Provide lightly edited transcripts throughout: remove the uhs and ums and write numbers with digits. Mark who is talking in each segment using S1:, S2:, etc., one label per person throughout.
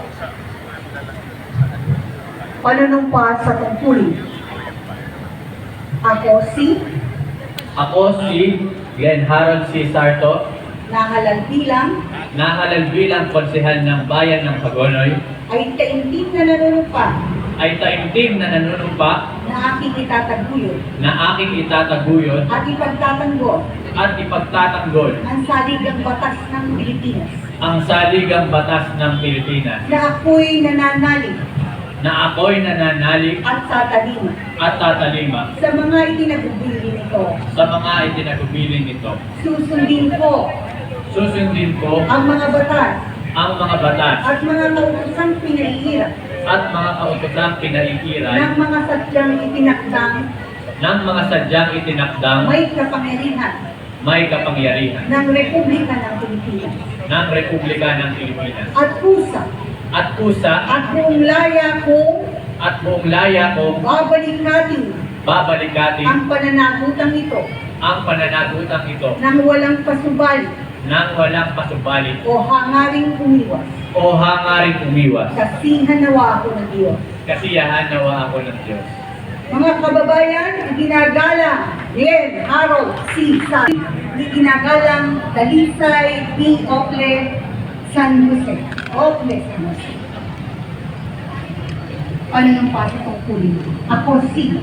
S1: Panunumpa sa tungkulin. Ako si
S2: Glenn Harold C. Sarto,
S1: nahalal
S2: bilang konsehal ng Bayan ng Hagonoy,
S1: ay taimtim na nanunumpa
S2: ay taimtim na nanunumpa
S1: na aking
S2: itataguyod
S1: at ipagtatanggol
S2: at ipagtatanggol
S1: ang saligang batas ng Pilipinas
S2: ang saligang batas ng Pilipinas
S1: na ako'y nananalig
S2: at tatalima
S1: sa mga itinagubilin nito. Susundin ko ang mga batas at mga kautosang pinahihirap ng mga sadyang itinakdang may kapangyarihan ng Republika ng Pilipinas at kusa at buong laya kong babalikatin ang pananagutang ito nang walang pasubali o hangaring umiwas. Kasiyahan nawa ako ng Diyos. Mga kababayan, iginagalang Glenn Harold C. Sarto, iginagalang Dalisay B. Ople, San Jose. Panunumpa sa tungkulin. Ako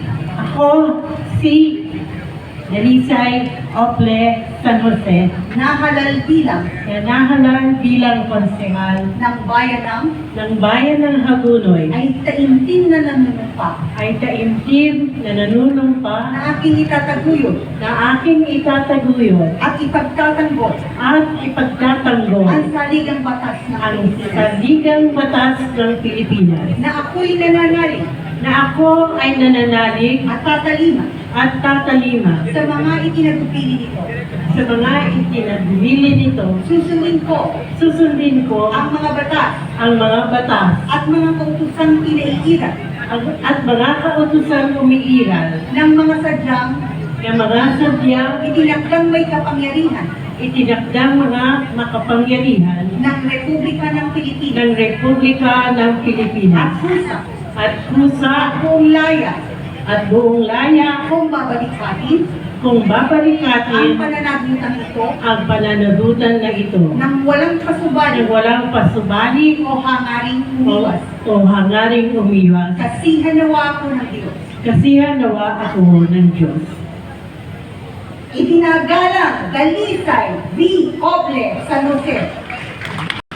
S1: si
S3: Dalisay Ople, San Jose,
S1: nahalal
S3: bilang konsehal
S1: ng
S3: Bayan ng Hagonoy,
S1: ay taimtim na nanunumpa na aking itataguyod at ipagtatanggol ang saligang batas ng
S3: ang
S1: Pilipinas
S3: saligang batas ng Pilipinas,
S1: na ako'y nananalig
S3: na ako ay nananalig
S1: at tatalima
S3: at tatalima
S1: sa mga itinagpili nito.
S3: sa mga itinagpili nito. Susundin ko
S1: Ang mga batas
S3: ang mga batas
S1: at mga kautosang pinaiiral
S3: at mga kautosang umiiral
S1: ng mga sadyang itinakdang may kapangyarihan
S3: itinakdang mga makapangyarihan
S1: ng Republika ng Pilipinas
S3: at kusa
S1: at buong laya
S3: kung babalikatin ang pananagutan na ito
S1: nang walang
S3: pasubali
S1: o hangaring
S3: umiwas.
S1: Kasiyahan nawa ako ng Diyos. Iginagalang Dalisay B. Ople, San Jose,